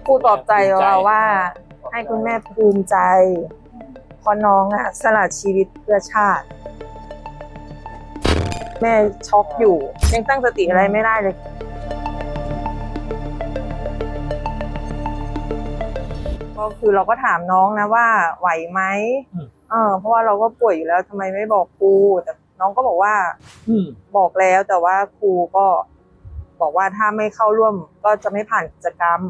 พูดปลอบใจเราว่าให้คุณแม่ภูมิใจเพราะน้องสละชีวิตเพื่อชาติแม่ช็อกอยู่ยังตั้งสติอะไรไม่ได้เลยก็คือเราก็ถามน้องนะว่าไหวไหมเพราะว่าเราก็ป่วยอยู่แล้วทำไมไม่บอกครูแต่น้องก็บอกว่าบอกแล้วแต่ว่าครูก็บอกว่าถ้าไม่เข้าร่วมก็จะไม่ผ่านกิจกรรม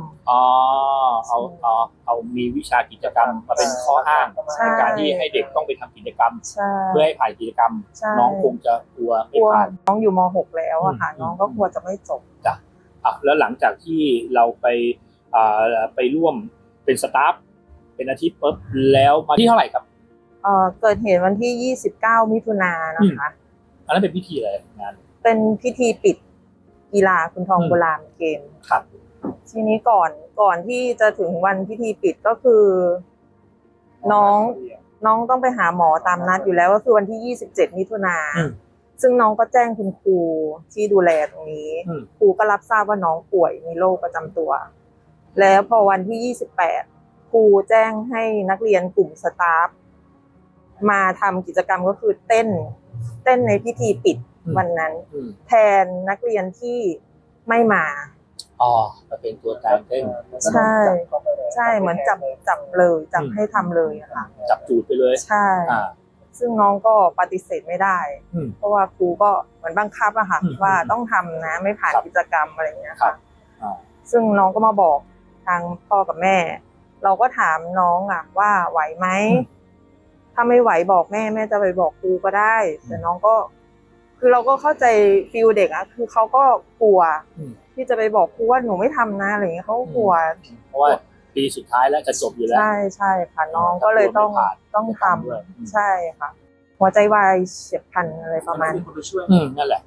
เอามีวิชากิจกรรมมาเป็นข้ออ้างในการที่ให้เด็กต้องไปทำกิจกรรมเพื่อให้ผ่านกิจกรรมน้องคงจะกลัวไม่ผ่านน้องอยู่ม.6 แล้วอะค่ะน้องก็กลัวจะไม่จบจ้ะแล้วหลังจากที่เราไปร่วมเป็นสตาฟเป็นอาทิตย์ปุ๊บแล้วมาที่เท่าไหร่ครับเกิดเหตุวันที่29มิถุนายนนะคะอันนั้นเป็นพิธีอะไรงานเป็นพิธีปิดกีฬาคุณทองโบราณเกมครับทีนี้ก่อนที่จะถึงวันพิธีปิดก็คือน้องต้องไปหาหมอตามนัดอยู่แล้วก็คือวันที่27มิถุนายนซึ่งน้องก็แจ้งคุณครูที่ดูแลตรงนี้ครูก็รับทราบว่าน้องป่วยมีโรคประจำตัวแล้วพอวันที่28ครูแจ้งให้นักเรียนกลุ่มสตาฟมาทำกิจกรรมก็คือเต้นในพิธีปิดวันนั้นแทนนักเรียนที่ไม่มามาเป็นตัวการเต้นใช่เหมือนจับเลยจับให้ทำเลยอะค่ะจับจูดไปเลยใช่ซึ่งน้องก็ปฏิเสธไม่ได้เพราะว่าครูก็เหมือนบังคับอะค่ะว่าต้องทำนะไม่ผ่านกิจกรรมอะไรอย่างเงี้ยค่ะซึ่งน้องก็มาบอกทางพ่อกับแม่เราก็ถามน้องอะว่าไหวไหมถ้าไม่ไหวบอกแม่จะไปบอกครูก็ได้แต่น้องก็คือเราก็เข้าใจฟีลเด็กอะคือเขาก็กลัวที่จะไปบอกครูว่าหนูไม่ทำนะอะไรอย่างเงี้ยเขากลัวเพราะว่าปีสุดท้ายแล้วจะจบอยู่แล้วใช่ค่ะน้องก็เลยต้องทำใช่ค่ะหัวใจวายเฉียบพลันอะไรประมาณนั่นแหละ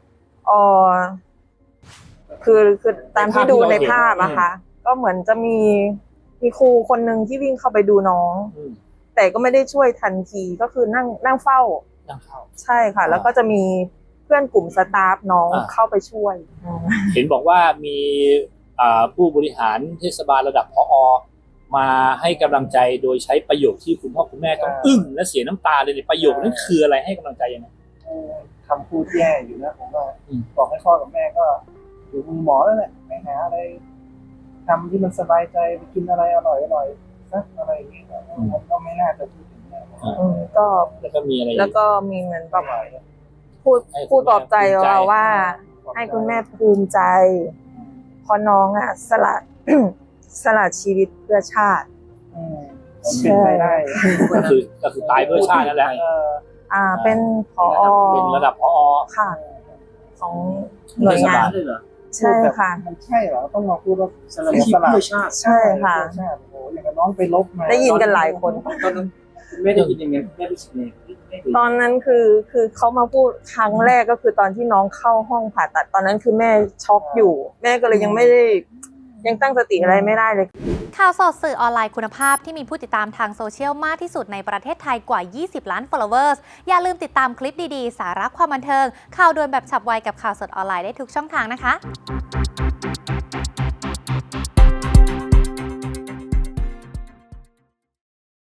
คือตามที่ดูในภาพอะค่ะก็เหมือนจะมีครูคนหนึ่งที่วิ่งเข้าไปดูน้องแต่ก็ไม่ได้ช่วยทันทีก็คือนั่งเฝ้าใช่ค่ะแล้วก็จะมีเพื่อนกลุ่มสตาฟน้องเข้าไปช่วยเห็นบอกว่ามีผู้บริหารเทศบาลระดับผอ.มาให้กำลังใจโดยใช้ประโยคที่คุณพ่อคุณแม่ต้องอึ้งและเสียน้ำตาเลยประโยคนั้นคืออะไรให้กำลังใจยังไงคำพูดแย่อยู่นะผมว่าบอกให้พ่อกับแม่ก็อยู่มือหมอแล้วแหละไปหาอะไรทำที่มันสบายใจไปกินอะไรอร่อยนะอะไรอย่างเงี้ยก็ไม่น่าจะพูดถึงก็แล้วก็มีอะไรแล้วก็มีเหมือนแบบพูดปลอบใจเราว่าให้คุณแม่ภูมิใจเพราะน้องสละชีวิตเพื่อชาติเป็นไปได้ก็คือตายเพื่อชาตินั่นแหละเป็นผอ. เป็นระดับผอ. ค่ะของหน่วยงานใช่ค่ะมันใช่เหรอต้องมาพูดว่าสละชีวิตเพื่อชาติใช่ค่ะโอ้อย่างน้องไปลบมาได้ยินกันหลายคนตอนนั้นไม่ได้ยินยังไงแม่รู้สึกไงตอนนั้นคือเขามาพูดครั้งแรกก็คือตอนที่น้องเข้าห้องผ่าตัดตอนนั้นคือแม่ช็อกอยู่แม่ก็เลยยังตั้งสติอะไรไม่ได้เลยข่าวสดสื่อออนไลน์คุณภาพที่มีผู้ติดตามทางโซเชียลมากที่สุดในประเทศไทยกว่า20ล้าน followers อย่าลืมติดตามคลิปดีๆสาระความบันเทิงข่าวด่วนแบบฉับไวกับข่าวสดออนไลน์ได้ทุกช่องทางนะคะ